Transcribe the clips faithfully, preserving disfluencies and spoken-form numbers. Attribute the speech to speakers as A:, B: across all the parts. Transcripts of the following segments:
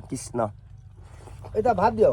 A: কৃষ্ণ
B: এটা ভাত দিয়ক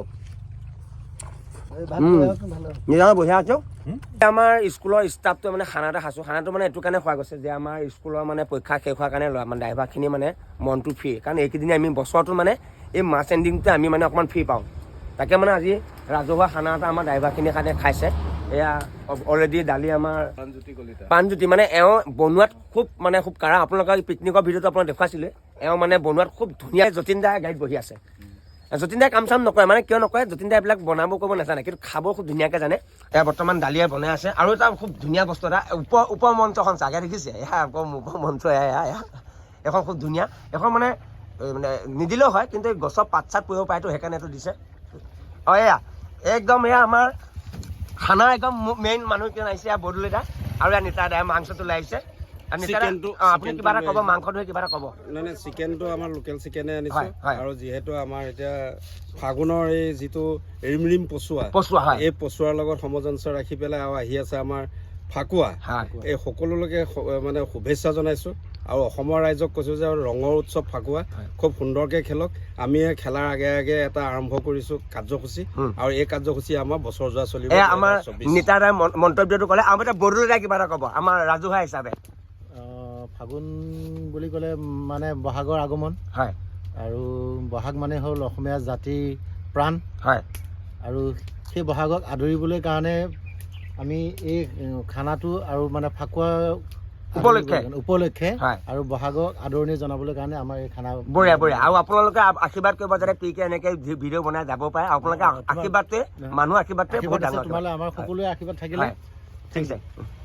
A: নিজান বঢ়িয়া আছো আমাৰ স্কুলৰ ষ্টাফটোৱে মানে খানা এটা খাইছোঁ খানাটো মানে এইটো কাৰণে খোৱা গৈছে যে আমাৰ স্কুলৰ মানে পৰীক্ষা শেষ হোৱাৰ কাৰণে মানে ড্ৰাইভাৰখিনি মানে মনটো ফ্ৰী কাৰণ এইকেইদিন আমি বছৰটো মানে এই মাছ এণ্ডিংটোতে আমি মানে অকণমান ফ্ৰী পাওঁ তাকে মানে আজি ৰাজহুৱা খানা এটা আমাৰ ড্ৰাইভাৰখিনিৰ কাৰণে খাইছে এয়া অলৰেডি দালি আমাৰ প্ৰাণজ্যোতি মানে এওঁ বনোৱাত খুব মানে খুব কাৰা আপোনালোকৰ পিকনিকৰ ভিডিঅ'টো আপোনাক দেখুৱাইছিলে এওঁ মানে বনোৱাত খুব ধুনীয়া যতীন দাই গাড়ীত বহি আছে যতীন দাই কাম চাম নকৰে মানে কিয় নকৰে যতীন দাই এইবিলাক বনাব কৰিব নাজানে কিন্তু খাব খুব ধুনীয়াকৈ জানে এয়া বৰ্তমান দালিয়ে বনাই আছে আৰু এটা খুব ধুনীয়া বস্তু এটা উপ উপ মঞ্চখন চাগে দেখিছে এয়া উপ মঞ্চ এয়া এয়া এখন খুব ধুনীয়া এখন মানে মানে নিদিলেও হয় কিন্তু গছৰ পাত চাত পৰিব পাৰেতো সেইকাৰণে এইটো দিছে অঁ এয়া একদম এয়া আমাৰ খানা একদম মেইন মানুহ কিয় আহিছে এয়া বদলি দা আৰু এয়া নিতা দাই মাংসটো লৈ আহিছে আপুনি কিবা এটা ক'ব মাংস ধৰি কিবা এটা ক'ব
C: নাই নাই চিকেনটো আমাৰ লোকেল চিকেনে আনিছোঁ আৰু যিহেতু আমাৰ এতিয়া ফাগুনৰ এই যিটো ৰিমৰিম পচুৱা
A: পচুৱা হয়
C: এই পচুৱাৰ লগত সমজঞ্চ ৰাখি পেলাই আৰু আহি আছে আমাৰ ফাকুৱা এই সকলোলৈকে মানে শুভেচ্ছা জনাইছোঁ আৰু অসমৰ ৰাইজক কৈছোঁ যে ৰঙৰ উৎসৱ ফাকুৱা খুব সুন্দৰকৈ খেলক আমি খেলাৰ আগে আগে এটা আৰম্ভ কৰিছোঁ কাৰ্যসূচী আৰু এই কাৰ্যসূচী আমাৰ বছৰ যোৱা চলিব
A: আমাৰ নেতাৰ মন্তব্যটো ক'লে আৰু এটা বড়োলৈ কিবা এটা ক'ব আমাৰ ৰাজহুৱা হিচাপে
B: ফাগুন বুলি ক'লে মানে বহাগৰ আগমন
A: হয়
B: আৰু বহাগ মানে হ'ল অসমীয়া জাতিৰ প্ৰাণ
A: হয়
B: আৰু সেই বহাগক আদৰিবলৈ কাৰণে আমি এই খানাটো আৰু মানে ফাকুৱা
A: উপলক্ষে
B: উপলক্ষে আৰু বহাগক আদৰণি জনাবলৈ কাৰণে আমাৰ এই খানা
A: বঢ়িয়া বঢ়িয়া আৰু আপোনালোকে আশীৰ্বাদ কৰিব যাতে পিকে এনেকৈ ভিডিঅ' বনাই যাব পাৰে আপোনালোকে আশীৰ্বাদটোৱে মানুহ আশীৰ্বাদটোৱে বহুত ডাঙৰ
B: তোমালৈ আমাৰ সকলোৰে আশীৰ্বাদ থাকিলে
A: ঠিক আছে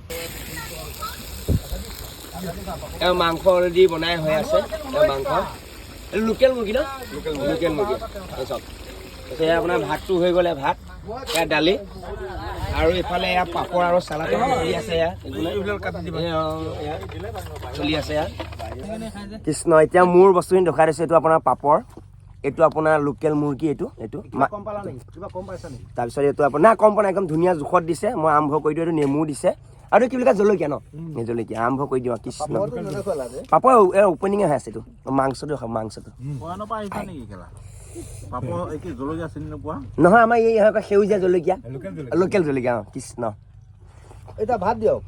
A: এওঁ মাংস অলৰেডি বনাই হৈ আছে এওঁ মাংস লোকেল মুৰ্গী ন লোকেল মুৰ্গী চব এয়া আপোনাৰ ভাতটো হৈ গ'লে ভাত এয়া দালি আৰু ইফালে এয়া পাপৰ আৰু চালাড চলি আছে এয়া চলি আছে এয়া কৃষ্ণ এতিয়া মোৰ বস্তুখিনি দেখাই দিছোঁ এইটো আপোনাৰ পাপৰ এইটো আপোনাৰ লোকেল মুৰ্গী এইটো এইটো তাৰপিছত এইটো আপোনাৰ কম পোৱা নাই একদম ধুনীয়া জোখত দিছে মই আৰম্ভ কৰি দিওঁ এইটো নেমু দিছে আৰু কি বুলি কয় জলকীয়া ন জলকীয়া আৰম্ভ কৰি দিওঁ কৃষ্ণ পাপৰ অপেনিঙে হৈ আছে এইটো মাংসটো খাওঁ মাংসটো নহয় আমাৰ এই সেউজীয়া জলকীয়া লোকেল জলকীয়া অঁ কৃষ্ণ
B: এটা ভাত দিয়ক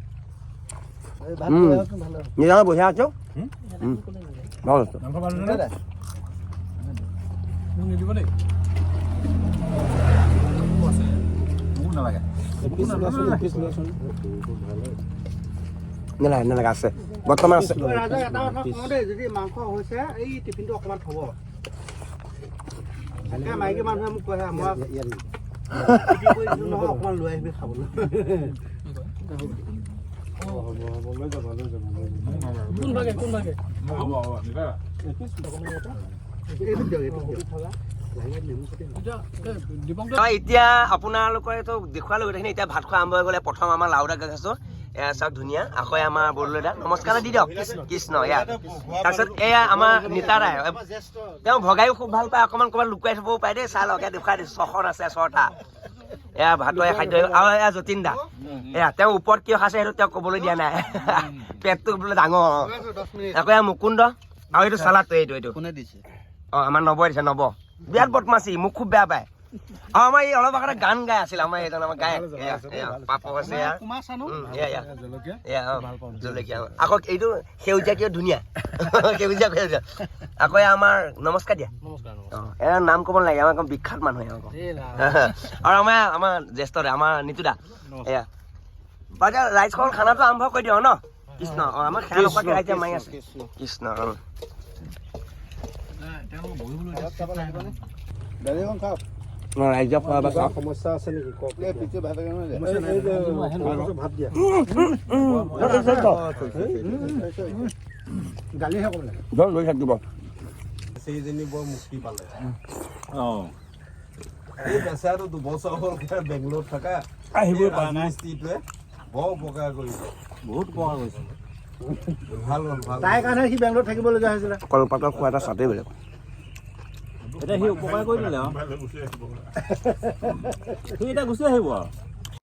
A: নিজান বঢ়িয়া আছো ভাল আছো
C: নালাগে
A: নালাগে নালাগে আছে বৰ্তমান আছে
B: যদি মাংস হৈছে এই টিফিনটো অকণমান থ'ব মাইকী মানুহে মোক কয় মই অকণমান লৈ আহিবি খাবলৈ
A: এতিয়া আপোনালোকৰ এইটো দেখুৱালো গোটেইখিনি এতিয়া ভাত খোৱা আৰম্ভ হৈ গ'লে প্ৰথম আমাৰ লাওদা খাইছোঁ এয়া চাওক ধুনীয়া আকৌ আমাৰ বৰদলৈদা নমস্কাৰ দি দিয়ক কৃষ্ণ এয়া তাৰপিছত এয়া আমাৰ নিতা দাই তেওঁ ভগাইও খুব ভাল পায় অকণমান ক'ৰবাত লুকুৱাই থ'বও পাৰে দেই চাই লওক এয়া দেখুৱাই দিছোঁ ছখন আছে ছটা এয়া ভাতৰ খাদ্য আৰু এয়া যতীন দা এয়া তেওঁ ওপৰত কিয় খাইছে সেইটো তেওঁক ক'বলৈ দিয়া নাই পেটটো বোলে ডাঙৰ আকৌ এয়া মুকুন্দ আৰু এইটো চালাডটো এইটো এইটো
B: কোনে দিছে
A: অঁ আমাৰ নবই দিছে নব বিৰাট বদমাচি মোক খুব বেয়া পায় আৰু আমাৰ এই অলপ আগতে গান গাই আছিল আমাৰ এইজন আমাৰ গায়ক পাপক আছে জলকীয়া আকৌ এইটো সেউজীয়া কিয় ধুনীয়া সেউজীয়া সেউজীয়া আকৌ আমাৰ নমস্কাৰ দিয়া অঁ এয়া নাম ক'ব নালাগে আমাৰ একদম বিখ্যাত মানুহ আকৌ আৰু আমাৰ আমাৰ জ্যেষ্ঠ দা আমাৰ নিতু দা এয়া বাৰু ৰাইজখন খানাটো আৰম্ভ কৰি দিওঁ ন কৃষ্ণ অঁ আমাৰ খানা নকৰাকৈ ৰাইজে মাৰি আছে কৃষ্ণ অঁ ৰাইজক খোৱা বা
B: সমস্যা আছে নেকি ভাত দিয়া গালিহে ক'ব লাগে
A: লৈ থাকিব
C: সেইজনী বৰ মুক্তি পালে অঁ এই বেচাটো দুবছৰ হ'ল বেংগলোৰত থকা আহিবই পৰা নাই স্থিতিটোৱে বৰ উপকাৰ কৰিছে বহুত উপকাৰ কৰিছে ভাল হ'ল ভাল
B: তাই কাৰণে সি বেংগলোৰত থাকিবলগীয়া হৈছিলে
A: কলপাতৰ খোৱা এটা চাটেই বেলেগ
C: এতিয়া সি উপকাৰ কৰি দিলে আৰু সি এতিয়া গুচি আহিব আৰু